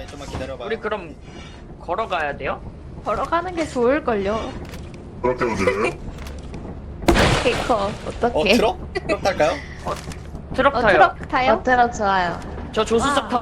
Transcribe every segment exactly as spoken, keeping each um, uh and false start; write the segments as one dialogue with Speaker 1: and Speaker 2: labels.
Speaker 1: 좀만 기다려봐요.
Speaker 2: 우리 그럼 걸어가야 돼요?
Speaker 3: 걸어가는 게 좋을걸요.
Speaker 4: 그렇게 오세요?
Speaker 3: 케이커
Speaker 1: 어
Speaker 3: 어떡해?
Speaker 1: 트럭? 트럭 탈까요?
Speaker 2: 트럭
Speaker 3: 어,
Speaker 2: 타요.
Speaker 3: 트럭 타요?
Speaker 5: 어, 트럭 좋아요.
Speaker 2: 저 조수석
Speaker 3: 와.
Speaker 2: 타.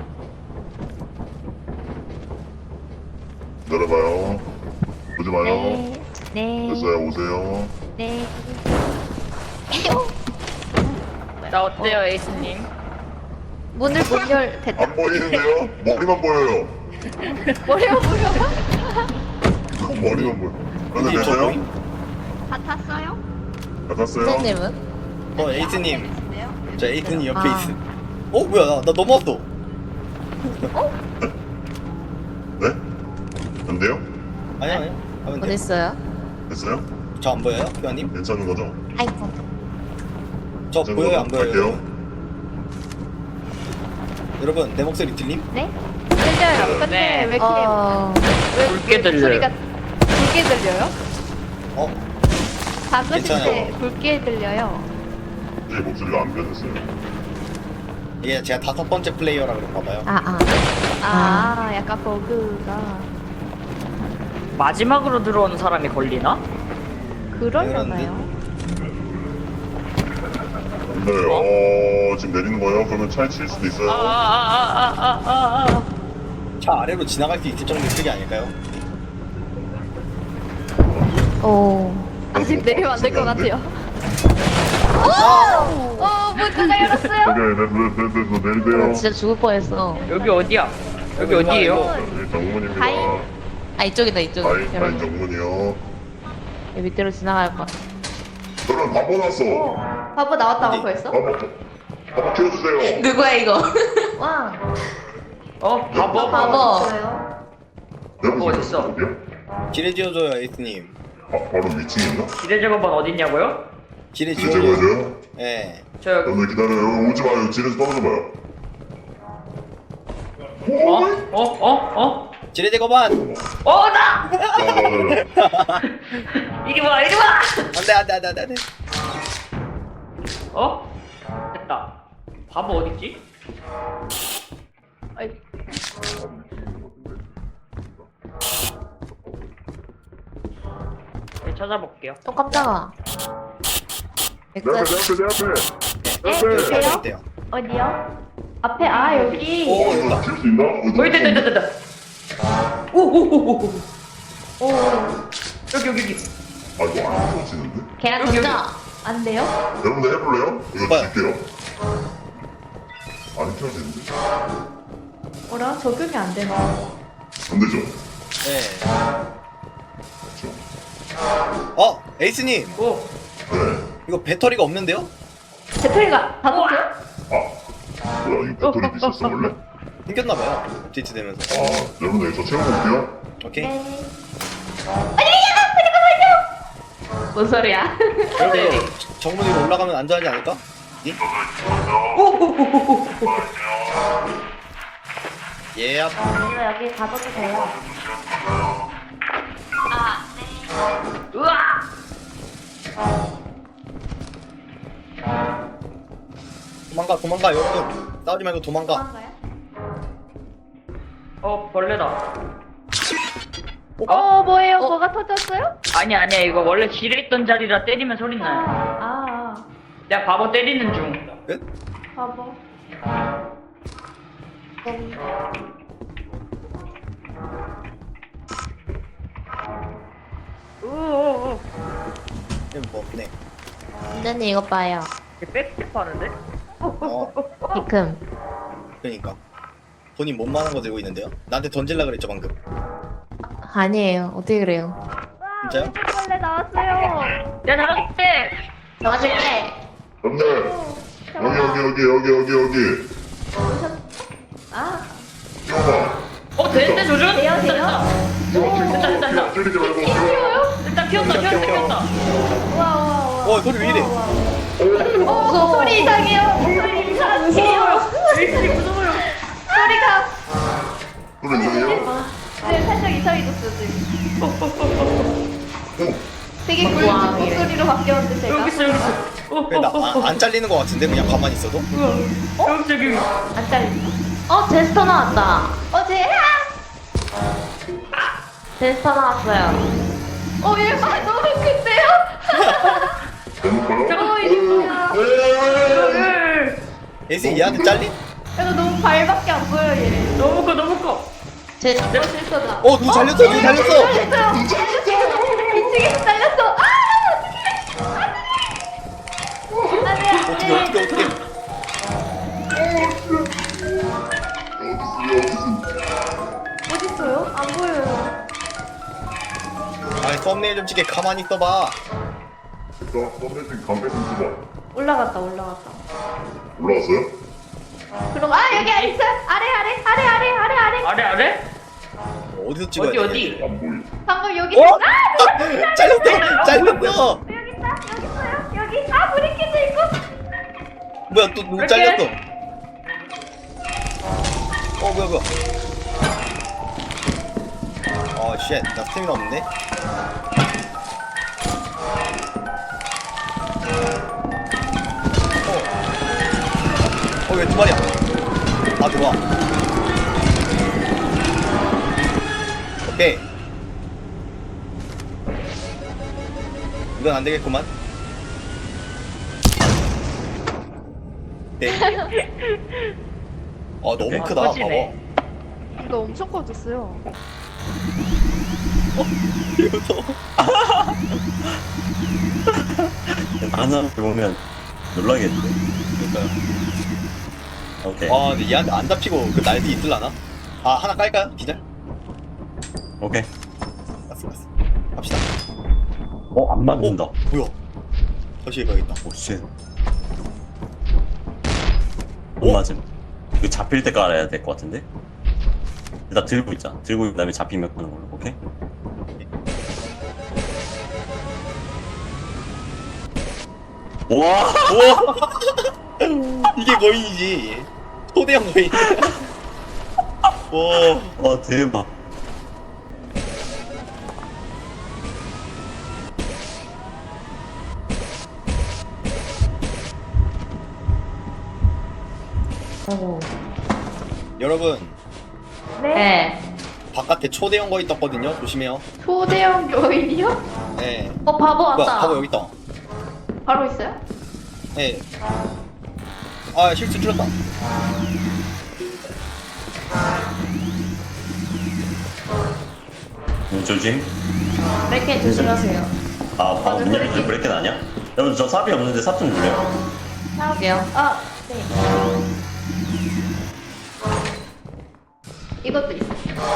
Speaker 4: 기다려봐요. 오지 마요.
Speaker 3: 네. 네.
Speaker 4: 됐어요, 오세요.
Speaker 3: 네.
Speaker 2: 나 어때요, 에이스님?
Speaker 3: 문을 못 열. 됐다.
Speaker 4: 안 보이는데요? 머리만 보여요.
Speaker 3: 뭐려 뭐려?
Speaker 4: 머리만 보여. 그런데
Speaker 1: 저
Speaker 4: 되세요?
Speaker 1: 보임?
Speaker 3: 다 탔어요?
Speaker 4: 다 탔어요?
Speaker 5: 선생님은?
Speaker 1: 어 에이스님. 저 에이스님 옆에
Speaker 5: 아.
Speaker 1: 있음. 어 뭐야 나, 나 넘어왔어.
Speaker 4: 네? 안 돼요?
Speaker 1: 아니 아니. 하면 돼.
Speaker 5: 어딨어요?
Speaker 4: 됐어요?
Speaker 1: 저 안 보여요, 교환님?
Speaker 4: 괜찮은 거죠?
Speaker 5: 아이고.
Speaker 1: 저
Speaker 4: 괜찮은
Speaker 1: 보여요,
Speaker 4: 거죠?
Speaker 1: 안 보여요?
Speaker 4: 갈게요.
Speaker 1: 여러분 내 목소리 들림?
Speaker 3: 네? 들려요. 근데
Speaker 2: 네.
Speaker 3: 왜 이렇게
Speaker 5: 어,
Speaker 3: 왜
Speaker 2: 굵게 들려요.
Speaker 3: 소리가 굵게 들려요?
Speaker 1: 어?
Speaker 3: 작으실 때
Speaker 1: 괜찮아요.
Speaker 3: 굵게 들려요.
Speaker 4: 제 목소리가 안 변했어요.
Speaker 1: 이게 제가 다섯 번째 플레이어라 그런가 봐요.
Speaker 5: 아, 아.
Speaker 3: 아, 약간 버그가
Speaker 2: 마지막으로 들어오는 사람이 걸리나?
Speaker 3: 그러려나요?
Speaker 4: 네, 어, 지금 내리는 거예요? 그러면 차에 칠 수도
Speaker 2: 아,
Speaker 4: 있어요.
Speaker 2: 아, 아, 아, 아, 아, 아.
Speaker 1: 차 아래로 지나갈 수 있을 정도의 크기 아닐까요?
Speaker 5: 오.
Speaker 3: 아직 내리면 안 될 것
Speaker 4: 소리 안 돼?
Speaker 3: 같아요. 오! 어, 문 누가 열었어요?
Speaker 4: 오케이, 됐어, 됐어, 됐어,
Speaker 5: 나
Speaker 4: 내리세요.
Speaker 5: 진짜 죽을 뻔했어.
Speaker 2: 여기 어디야? 여기 어디예요?
Speaker 4: 네, 정문입니다.
Speaker 3: 다이.
Speaker 5: 아, 이쪽이다, 이쪽.
Speaker 4: 다이, 다이
Speaker 5: 여러분.
Speaker 4: 정문이요.
Speaker 5: 여기 밑으로 지나갈 뻔.
Speaker 4: 저는 바보 났어.
Speaker 3: 바보 나왔다고
Speaker 1: 어디?
Speaker 3: 벌써?
Speaker 4: 바보, 바보 키워주세요.
Speaker 5: 누구야, 이거?
Speaker 3: 와.
Speaker 2: 어, 바보.
Speaker 5: 바보.
Speaker 3: 있어요.
Speaker 4: 여러분,
Speaker 2: 바보 어딨어?
Speaker 4: 어디요?
Speaker 1: 길에 지어줘요, 에이스님.
Speaker 4: 아, 바로 위층 있나?
Speaker 2: 기대 작업반 어딨냐고요?
Speaker 1: 길에
Speaker 4: 이제
Speaker 1: 지어줘요.
Speaker 4: 제거해줘요?
Speaker 1: 예.
Speaker 2: 저 여기.
Speaker 4: 여러분들 기다려요. 오지 마요. 지뢰에서 떨어져 봐요.
Speaker 2: 어? 어? 어? 어?
Speaker 1: 지뢰 제거반!
Speaker 2: 어, 나!
Speaker 4: 자, 자, 자,
Speaker 2: 이리 와, 이리 와!
Speaker 1: 안돼 안돼 안돼 안돼 안돼.
Speaker 2: 어? 됐다. 바보 어딨지? 아이. 네, 찾아볼게요.
Speaker 5: 어, 깜짝아.
Speaker 4: 내 앞에, 내 앞에, 내 앞에. 내 앞에.
Speaker 3: 네, 돼요?
Speaker 1: 있대요.
Speaker 3: 어디요? 앞에 아 여기.
Speaker 1: 오,
Speaker 4: 어,
Speaker 1: 여기다.
Speaker 4: 이거 킬수 있나?
Speaker 2: 어, 있다, 있다, 있다, 있다. 오, 오, 오, 오, 오.
Speaker 3: 오.
Speaker 2: 여기, 여기, 여기.
Speaker 4: 아, 이거 안 켜지는데?
Speaker 5: 계란
Speaker 2: 여기,
Speaker 5: 던져.
Speaker 3: 안 돼요?
Speaker 4: 여러분들 해볼래요? 이거
Speaker 1: 뭐야?
Speaker 4: 줄게요. 안 켜지는데?
Speaker 3: 뭐라? 적용이 안 되나?
Speaker 4: 안 되죠?
Speaker 1: 네.
Speaker 4: 그렇죠.
Speaker 1: 어, 에이스님.
Speaker 2: 오.
Speaker 4: 네.
Speaker 1: 이거 배터리가 없는데요?
Speaker 3: 배터리가 다 됐어요?
Speaker 4: 아, 뭐야, 이거 배터리 있었어, 원래?
Speaker 1: 생겼나봐요. 업데이트 되면서.
Speaker 4: 아, 여러분들 저 채워볼게요.
Speaker 1: 오케이.
Speaker 3: 네.
Speaker 5: 뭔 소리야?
Speaker 1: 여러분 정문 위로 올라가면 안전하지 않을까? 니? 예.
Speaker 3: 이거 여기 가둬도 돼요.
Speaker 2: 우와!
Speaker 1: 도망가 도망가 여러분. 싸우지 말고 도망가.
Speaker 3: 도망가요?
Speaker 2: 어, 벌레다.
Speaker 3: 어, 뭐예요?
Speaker 5: 어?
Speaker 3: 뭐가 터졌어요?
Speaker 2: 아니, 아니야. 이거 원래 지뢰 있던 자리라 때리면 소리 나요.
Speaker 3: 아, 아,
Speaker 2: 내가 바보 때리는 중.
Speaker 1: 끝?
Speaker 3: 바보.
Speaker 2: 우우우.
Speaker 1: 이거 뭐 없네.
Speaker 5: 선생님, 이거 봐요.
Speaker 2: 백스텝 하는데?
Speaker 1: 어,
Speaker 5: 피큼.
Speaker 1: 그러니까. 본인 몸만한 거 들고 있는데요? 나한테 던질라 그랬죠 방금.
Speaker 5: 아니에요. 어떻게 그래요?
Speaker 1: 진짜요?
Speaker 3: 벌레 나왔어요.
Speaker 2: 야, 나갈게!
Speaker 5: 도와줄게.
Speaker 4: 여러분들, 여기, 여기, 여기, 여기, 여기, 여기.
Speaker 3: 아,
Speaker 4: 켜봐.
Speaker 2: 어, 되는데, 조준?
Speaker 3: 돼요,
Speaker 2: 됐다,
Speaker 3: 돼요?
Speaker 2: 됐다. 됐다, 됐다, 됐다.
Speaker 4: 찌르지 말고 켜요.
Speaker 2: 일단 피웠다, 피웠다, 피웠다.
Speaker 3: 우와, 우와, 우와.
Speaker 1: 어, 소리 왜 이래?
Speaker 3: 어, 목소리 이상해요. 목소리 이상해요.
Speaker 2: 에이스님 무서워요.
Speaker 3: 소리가.
Speaker 4: 소리 이상해요?
Speaker 3: 네, 살짝 이상해졌어요, 지금.
Speaker 4: 오,
Speaker 3: 되게 굵은
Speaker 5: 우와,
Speaker 3: 목소리로 바뀌었는데, 제가.
Speaker 2: 여기 있어, 여기 있어. 어,
Speaker 1: 그래, 나,
Speaker 2: 어, 어,
Speaker 1: 안, 안 잘리는 거 같은데 그냥 가만히 있어도?
Speaker 2: 어, 여기, 저기.
Speaker 3: 안 잘렸어.
Speaker 5: 어 제스터 나왔다.
Speaker 3: 어제
Speaker 5: 제스터 나왔어요.
Speaker 3: 어 얘가 너무 큰데요?
Speaker 4: 해볼까요?
Speaker 3: 어 이게 뭐야?
Speaker 1: 예승 얘한테 잘린?
Speaker 3: 얘가 너무 발밖에 안 보여 얘.
Speaker 2: 너무 커 너무 커.
Speaker 5: 제
Speaker 3: 어 실수다.
Speaker 1: 어, 누 잘렸어, 누 잘렸어.
Speaker 3: 잘렸어요. 미치겠어 잘렸어. 아 어떡해. 안돼
Speaker 1: 어떻게,
Speaker 3: 안돼.
Speaker 1: 어떻게, 어떻게.
Speaker 3: 어딨어요? 안 보여요.
Speaker 1: 아니, 썸네일 좀 찍게 가만히 있어봐.
Speaker 4: 자, 썸네팅 강배 좀 주자.
Speaker 3: 올라갔다 올라갔다.
Speaker 4: 올라왔어요?
Speaker 3: 그럼 아 여기 아래 있어. 아래 아래 아래 아래 아래 아래.
Speaker 2: 아래 아래?
Speaker 1: 어디서 찍어야
Speaker 2: 어디
Speaker 1: 돼?
Speaker 2: 어디?
Speaker 4: 안 보이.
Speaker 3: 방금 여기
Speaker 1: 어?
Speaker 3: 있어. 아
Speaker 1: 잘렸어, 잘렸어.
Speaker 3: 여기 있다 여기 있어요. 여기 아 브리켓도 있고.
Speaker 1: 뭐야, 또 누구
Speaker 2: 이렇게?
Speaker 1: 잘렸어? 어, 뭐야, 뭐야. 아, 쉣. 나 스태미나 없네. 어, 왜 두 마리야? 아, 들어와. 오케이. 이건 안 되겠구만. 네. 아, 너무
Speaker 2: 아,
Speaker 1: 크다.
Speaker 2: 커지네.
Speaker 1: 봐봐.
Speaker 3: 이거 엄청 커졌어요.
Speaker 1: 무서워.
Speaker 6: 하나 보면 놀라겠는데?
Speaker 1: 그러니까요.
Speaker 6: 오케이.
Speaker 1: 아, 근데 얘한테 안 잡히고 그 날개 있을라나? 아, 하나 깔까요? 기절?
Speaker 6: 오케이.
Speaker 1: 갔어, 갔어. 갑시다.
Speaker 6: 어, 안 맞는다.
Speaker 1: 어, 뭐야? 다시 해봐야겠다.
Speaker 6: 오, 쉣. 못 맞음. 이거 잡힐 때 깔아야 될 것 같은데? 일단 들고 있자. 들고 있는 다음에 잡히면 끄는 걸로, 오케이? 와!
Speaker 1: 우와! 이게 거인이지. 초대형 거인. 와.
Speaker 6: 와, 대박.
Speaker 5: 아이고.
Speaker 1: 여러분,
Speaker 5: 네.
Speaker 1: 바깥에 초대형 거인 떴거든요. 조심해요.
Speaker 3: 초대형 요인이요?
Speaker 1: 네.
Speaker 5: 어 바보
Speaker 1: 뭐야,
Speaker 5: 왔다.
Speaker 1: 바보 여기 있다.
Speaker 3: 바로 있어요?
Speaker 1: 네. 아, 실수 줄였다.
Speaker 6: 눈 조심.
Speaker 5: 브레이크 조심하세요.
Speaker 6: 아, 방금 문 열릴 때 브레이크는 아니야? 여러분, 저 삽이 없는데 삽 좀 줄래요?
Speaker 5: 할게요.
Speaker 3: 아 네. 이것도 있어.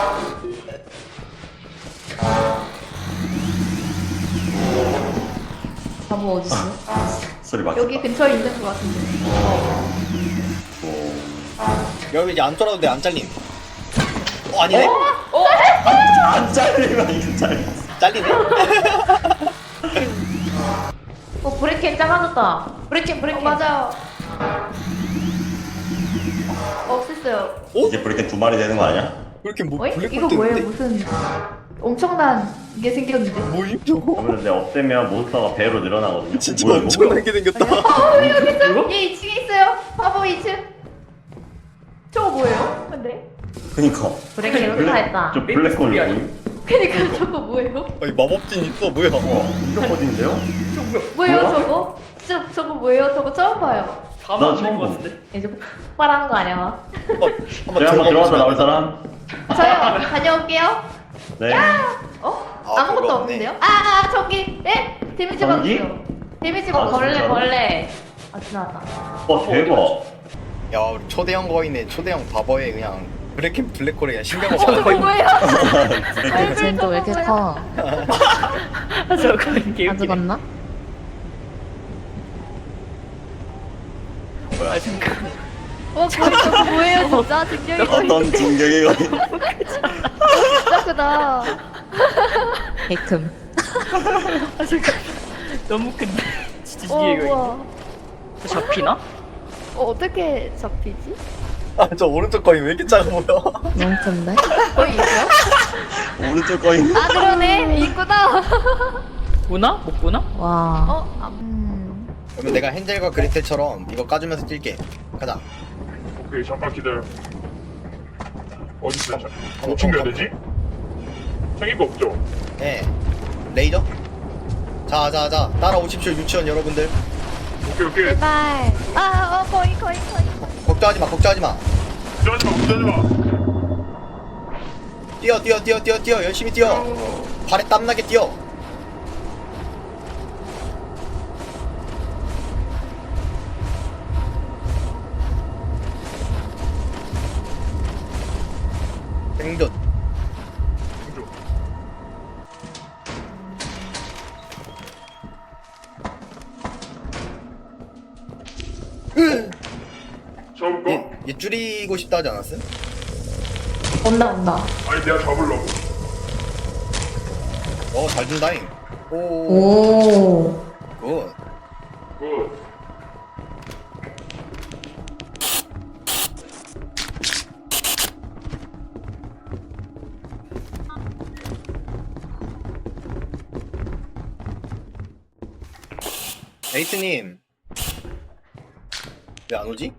Speaker 5: 바보 어딨어?
Speaker 6: 소리 막.
Speaker 3: 여기 근처에 있는 것 같은데.
Speaker 6: 오.
Speaker 1: 여러분, 이제 안 쫄아도 돼. 안 잘림. 어, 아니네?
Speaker 6: 안 잘리면 이거 잘려.
Speaker 1: 잘리네?
Speaker 5: 어 브레이크 작아졌다. 브레이크
Speaker 3: 어,
Speaker 5: 브레이크.
Speaker 3: 맞아요. 없앴어요.
Speaker 1: 어?
Speaker 6: 이제 브레이크 두 마리 되는 거 아니야?
Speaker 1: 왜 이렇게 뭐,
Speaker 3: 어이?
Speaker 1: 블랙홀
Speaker 3: 이거 뭐예요?
Speaker 1: 뜨는데?
Speaker 3: 무슨 엄청난 게 생겼는데.
Speaker 1: 뭐임 저거?
Speaker 6: 그러면 내 없애면 몬스터가 배로 늘어나거든요.
Speaker 1: 진짜
Speaker 6: 뭐야, 이거?
Speaker 1: 엄청나게 생겼다.
Speaker 3: 어 여기 있어요.
Speaker 2: 뭐야?
Speaker 3: 얘 이 층에 있어요. 바보 이 층. 저거 뭐예요? 근데?
Speaker 6: 그니까.
Speaker 5: 브레이크 이렇게 다 했다.
Speaker 6: 저 블랙홀 뭐임?
Speaker 3: 그니까 저거 뭐예요?
Speaker 1: 아니, 마법진 있어. 뭐야?
Speaker 6: 어, 이거 어딘데요?
Speaker 3: 뭐예요
Speaker 6: 뭐야?
Speaker 3: 저거? 저 저거 뭐예요? 저거 처음 봐요.
Speaker 2: 다
Speaker 6: 나
Speaker 2: 맞는
Speaker 6: 처음
Speaker 2: 것
Speaker 6: 본-
Speaker 2: 같은데?
Speaker 5: 이제 폭발하는 거 아니야? 막?
Speaker 1: 한번, 한번
Speaker 6: 제가 한번 들어가서
Speaker 1: 보시면
Speaker 6: 나올 사람?
Speaker 3: 저요. 다녀올게요.
Speaker 6: 네.
Speaker 3: 어?
Speaker 1: 아,
Speaker 3: 아무것도
Speaker 1: 그거
Speaker 3: 없는데요? 아, 아 저기. 네? 데미지
Speaker 6: 전기?
Speaker 3: 받았어요. 데미지
Speaker 6: 아,
Speaker 5: 어
Speaker 3: 받았어요.
Speaker 5: 벌레
Speaker 6: 진짜로?
Speaker 5: 벌레. 아 지나갔다.
Speaker 6: 와, 대박.
Speaker 1: 야, 우리 초대형 거인의 초대형 바보에 그냥 블랙캠 블랙홀에 그냥 신경
Speaker 3: 어, 저거
Speaker 1: 없어.
Speaker 3: 뭐예요?
Speaker 5: 근데 쟤는 또왜 이렇게 커?
Speaker 2: 아 저거 이게
Speaker 5: 다 죽었나?
Speaker 2: 아 잠깐.
Speaker 3: 어, 거기 저거 뭐예요? 진짜 등력이
Speaker 6: 어떤 진격이 거인?
Speaker 3: 진짜 크다.
Speaker 5: 베이큼.
Speaker 2: 아 잠깐. 너무 큰데. 진짜
Speaker 3: 어,
Speaker 2: 이게
Speaker 3: 우와.
Speaker 2: 이거 잡히나?
Speaker 3: 어, 어떻게 잡히지?
Speaker 1: 아, 저 오른쪽 거인 왜 이렇게 작아 보여?
Speaker 5: 너무 큰데?
Speaker 3: 거기 있어요?
Speaker 6: 오른쪽 거인.
Speaker 3: 아, 그러네. 있구나.
Speaker 2: 보나? 못 보나?
Speaker 5: 와.
Speaker 3: 어, 아, 음.
Speaker 1: 그러면 내가 헨젤과 그레텔처럼 이거 까주면서 뛸게. 가자.
Speaker 4: 오케이, 잠깐 기다려. 어디 있어? 뭐 챙겨야 되지? 챙길 거 없죠?
Speaker 1: 예. 레이저? 자, 자, 자. 따라오십시오, 유치원 여러분들.
Speaker 4: 오케이 오케이.
Speaker 3: 제발. 아, 어, 거의, 거의, 거의.
Speaker 1: 걱정하지 마, 걱정하지 마.
Speaker 4: 걱정하지 마 걱정하지 마.
Speaker 1: 뛰어, 뛰어, 뛰어, 뛰어, 뛰어. 열심히 뛰어. 발에 땀나게 뛰어. 생존.
Speaker 4: 생존.
Speaker 1: 으!
Speaker 4: 잡을까?
Speaker 1: 얘, 얘 줄이고 싶다 하지 않았음?
Speaker 5: 온다 온다.
Speaker 4: 아니 내가 잡으려고.
Speaker 1: 어, 잘 준다잉. 오,
Speaker 5: 오.
Speaker 1: 굿.
Speaker 4: 굿.
Speaker 1: 에이트님. 왜 안 오지?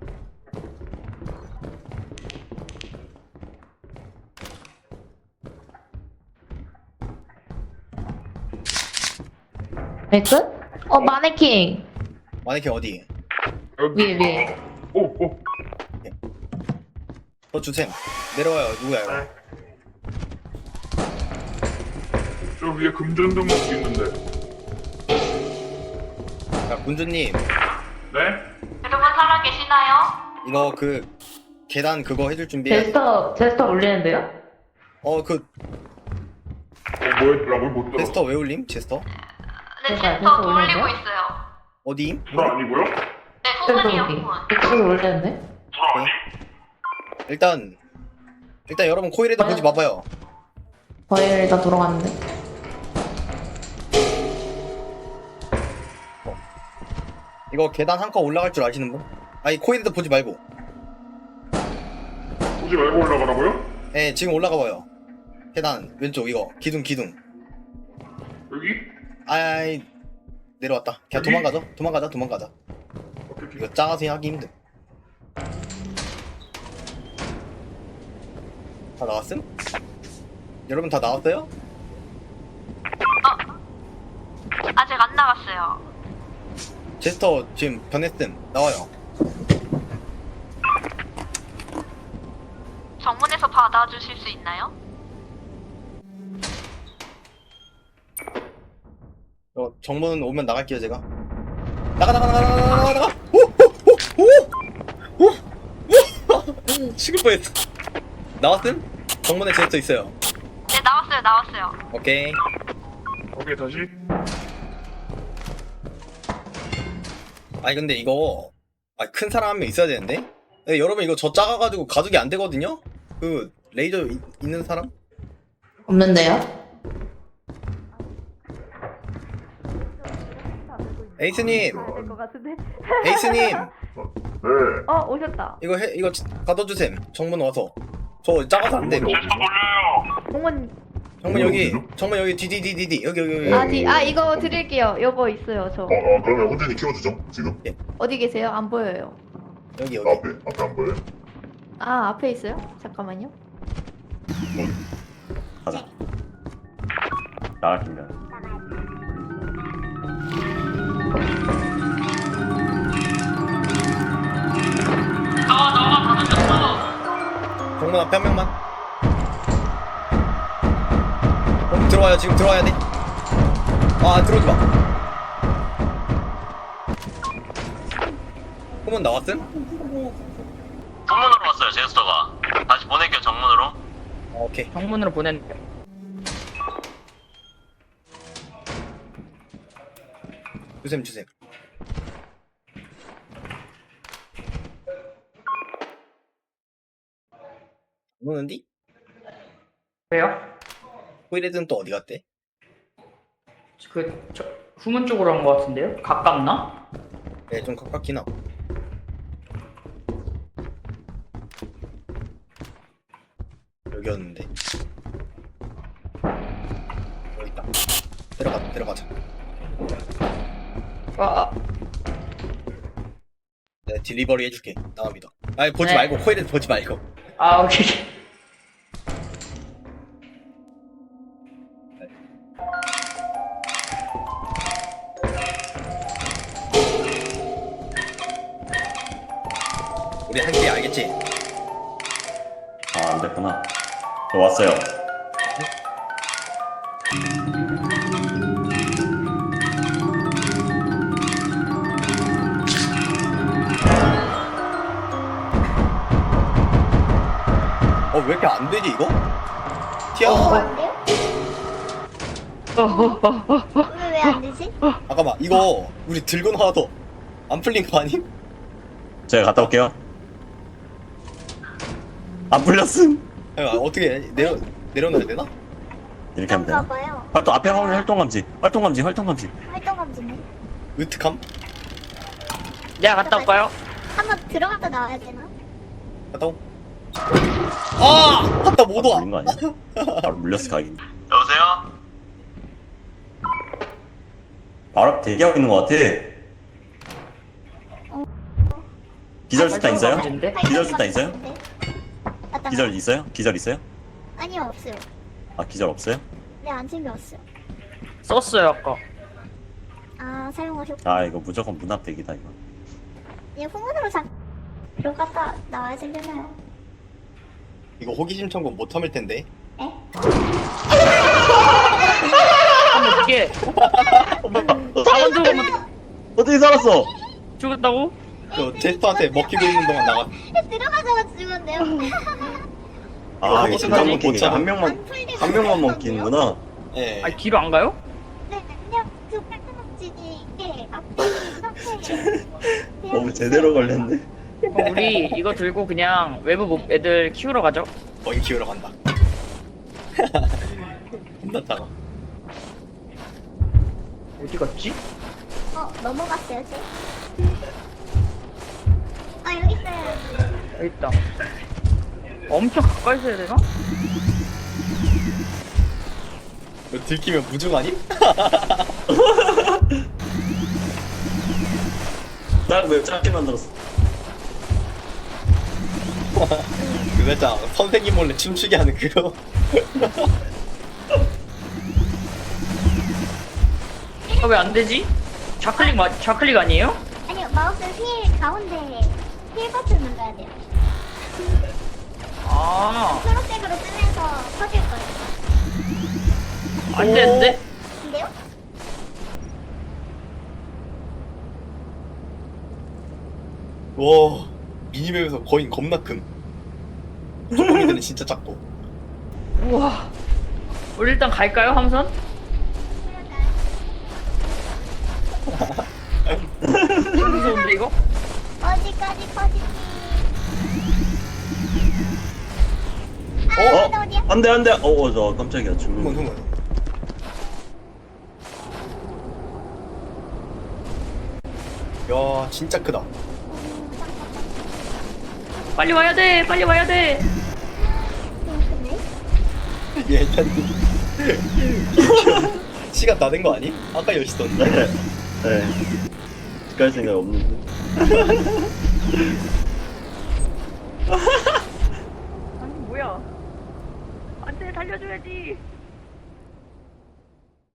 Speaker 5: 백은? 어 마네킹.
Speaker 1: 마네킹 어디?
Speaker 4: 여기.
Speaker 5: 위에, 위에.
Speaker 4: 오 오.
Speaker 1: 저 주셈. 내려와요. 누구야, 이거?
Speaker 4: 네. 저 위에 금전등록도 있는데.
Speaker 1: 자, 군주님.
Speaker 4: 네?
Speaker 3: 여러분 살아계시나요?
Speaker 1: 이거 그, 계단 그거 해줄 준비해.
Speaker 5: 제스터 제스터 올리는데요?
Speaker 1: 어, 그,
Speaker 4: 어 뭐였더라고 못 들어.
Speaker 1: 제스터 왜 올림? 제스터?
Speaker 3: 네,
Speaker 5: 제발,
Speaker 3: 제스터
Speaker 5: 제스터
Speaker 3: 돌리고
Speaker 5: 올리는데요?
Speaker 3: 있어요.
Speaker 1: 어디임?
Speaker 4: 불 아니고요?
Speaker 3: 네,
Speaker 5: 제스터
Speaker 3: 소문이요,
Speaker 5: 올리.
Speaker 3: 소문.
Speaker 5: 제스터 올리는데?
Speaker 4: 불 아니?
Speaker 1: 일단, 일단 여러분 코일에도 보지 마봐요.
Speaker 5: 거의 일단 돌아갔는데.
Speaker 1: 이거 계단 한 칸 올라갈 줄 아시는 분? 아니, 코일에도 보지 말고.
Speaker 4: 보지 말고 올라가라고요?
Speaker 1: 예, 지금 올라가 봐요. 계단, 왼쪽, 이거. 기둥, 기둥.
Speaker 4: 여기?
Speaker 1: 아이, 내려왔다. 그냥
Speaker 4: 여기?
Speaker 1: 도망가자. 도망가자, 도망가자.
Speaker 4: 오케이 오케이.
Speaker 1: 이거 작아서 하기 힘들. 다 나왔음? 여러분 다 나왔어요?
Speaker 3: 아직 안 나갔어요.
Speaker 1: 제스터 지금 변했음. 나와요.
Speaker 3: 정문에서 받아주실 수 있나요?
Speaker 1: 어, 정문 오면 나갈게요, 제가. 나가, 나가, 나가, 나가, 나가, 나가! 오! 오! 오! 오! 오! 죽을 뻔했어. 나왔음? 정문에 제스터 있어요.
Speaker 3: 네, 나왔어요, 나왔어요.
Speaker 1: 오케이.
Speaker 4: 오케이 다시.
Speaker 1: 아니, 근데 이거, 아, 큰 사람 한 명 있어야 되는데? 네, 여러분 이거 저 작아가지고 가족이 안 되거든요? 그, 레이저 이, 있는 사람?
Speaker 5: 없는데요?
Speaker 1: 에이스님!
Speaker 3: 될것 같은데?
Speaker 1: 에이스님!
Speaker 4: 네.
Speaker 3: 어, 오셨다.
Speaker 1: 이거 해, 이거 가둬주셈. 정문 와서. 저 작아서 안 돼.
Speaker 4: 제스터 돌려요.
Speaker 3: 공원,
Speaker 1: 정문 여기, 정문 여기, 디디디디디. 여기, 여기, 여기.
Speaker 3: 아, 디, 아, 이거 드릴게요. 요거 있어요, 저.
Speaker 4: 어, 어 그러면 혼자니 키워주죠 지금.
Speaker 3: 어디 계세요? 안 보여요.
Speaker 1: 여기, 여기.
Speaker 4: 앞에 앞에 안 보여요?
Speaker 3: 아, 앞에 있어요? 잠깐만요.
Speaker 6: 가자. 나갈 준비야.
Speaker 1: 정문 앞에 한 명만. 어, 들어와요. 지금 들어와야 돼. 아, 들어오지 마. 후문 나왔음?
Speaker 6: 정문으로 왔어요, 제스터가. 다시 보낼게요, 정문으로.
Speaker 1: 어, 오케이.
Speaker 2: 정문으로 보낸.
Speaker 1: 주셈, 주셈. 오는디?
Speaker 2: 왜요?
Speaker 1: 호이레드는 또 어디 갔대?
Speaker 2: 그 저, 후문 쪽으로 한 것 같은데요? 가깝나?
Speaker 1: 네, 좀 가깝긴 하고. 여기였는데. 여기 있다. 들어가, 들어가자.
Speaker 2: 아, 아
Speaker 1: 내가 딜리버리 해줄게. 나만 믿어. 아니, 보지
Speaker 2: 네.
Speaker 1: 말고, 호이레드 보지 말고.
Speaker 2: 아 오케이.
Speaker 6: 아, 안 됐구나. 저 왔어요.
Speaker 1: 어 왜 이렇게 안 되지 이거? 티아
Speaker 3: 어, 안 돼요? 오늘 왜 안 되지?
Speaker 1: 잠깐만 이거 우리 들고 나와도 안 풀린 거 아님?
Speaker 6: 제가 갔다 올게요. 안 풀렸음.
Speaker 1: 아, 어떻게 해? 내려 내려놔야 되나?
Speaker 6: 이렇게 하면
Speaker 3: 그런가
Speaker 6: 되나?
Speaker 3: 봐요.
Speaker 6: 활동 앞에 화면 활동 감지. 활동 감지. 활동 감지.
Speaker 3: 활동 감지네.
Speaker 1: 으특함?
Speaker 2: 내가 갔다 올까요?
Speaker 3: 한번 들어갔다 나와야 되나?
Speaker 1: 갔다 오. 아! 갔다 못 와.
Speaker 6: 물린 거 아니야? 바로 물렸을 각이. 여보세요? 바로 앞 대기하고 있는 거 같아. 기절 수탄 있어요?
Speaker 2: 감지인데?
Speaker 6: 기절 수탄 있어요?
Speaker 3: 맞다.
Speaker 6: 기절 있어요? 기절 있어요?
Speaker 3: 아니요, 없어요.
Speaker 6: 아 기절 없어요?
Speaker 3: 네, 안 챙겨왔어요.
Speaker 2: 썼어요 아까.
Speaker 3: 아, 사용하셨고.
Speaker 6: 아 이거 무조건 문 앞 대기다 이거.
Speaker 3: 얘 후문으로 자 들어갔다 나와야 되려나요?
Speaker 1: 이거 호기심 천국 못 참을 텐데.
Speaker 3: 에?
Speaker 2: 하면 어떻게? 사원 들어가면
Speaker 6: 어떻게 살았어?
Speaker 2: 죽었다고?
Speaker 1: 저 제스터한테 먹히고 있는 동안 나가.
Speaker 3: 들어가자마자 죽었네요.
Speaker 6: 아
Speaker 1: 호기심
Speaker 6: 진짜
Speaker 1: 천국 못
Speaker 6: 먹히니까
Speaker 1: 참아.
Speaker 6: 한 명만
Speaker 3: 안 풀리고
Speaker 6: 한 명만
Speaker 3: 있었는데요?
Speaker 6: 먹히는구나.
Speaker 1: 예.
Speaker 2: 아니 뒤로 안 가요?
Speaker 3: 네, 그냥 그 팔뚝먹지니 이게 앞에
Speaker 6: 너무 제대로 걸렸네.
Speaker 2: 그럼 우리 이거 들고 그냥 외부 목 애들 키우러 가죠.
Speaker 1: 거기 키우러 간다. 혼났다가.
Speaker 2: 어디 갔지?
Speaker 3: 어, 넘어갔어요, 쟤. 아, 여기 있어요.
Speaker 2: 여기 있다. 엄청 가까이 서야 되나?
Speaker 1: 이거 들키면 무중 아님?
Speaker 6: 난왜 짧게 만들었어?
Speaker 1: 그 살짝 선생님 몰래 춤추게 하는 그거.
Speaker 2: 아, 왜 안 되지? 좌클릭 마, 좌클릭 아니에요?
Speaker 3: 아니요, 마우스 휠 가운데 휠 버튼 눌러야 돼요.
Speaker 2: 아,
Speaker 3: 초록색으로 뜨면서 터질 거예요.
Speaker 2: 안 되는데?
Speaker 3: 근데요?
Speaker 1: 와 미니맵에서 거인 겁나 큼. 조금이들은 진짜 작고.
Speaker 2: 우와. 우리 일단 갈까요, 함선? 무서운데 이거?
Speaker 3: 어디까지 커지지? 아,
Speaker 1: 어?
Speaker 3: 어디 어디야?
Speaker 6: 안돼 안돼. 어저 깜짝이야
Speaker 1: 후문
Speaker 6: 죽는.
Speaker 1: 후문. 야 진짜 크다.
Speaker 2: 빨리 와야 돼, 빨리 와야 돼.
Speaker 3: 근데?
Speaker 1: 얘 일단 시간 다 된 거 아니? 아까 열 시 던데.
Speaker 6: 네. 네. 갈 생각 없는데.
Speaker 2: 아니 뭐야? 안돼 달려줘야지.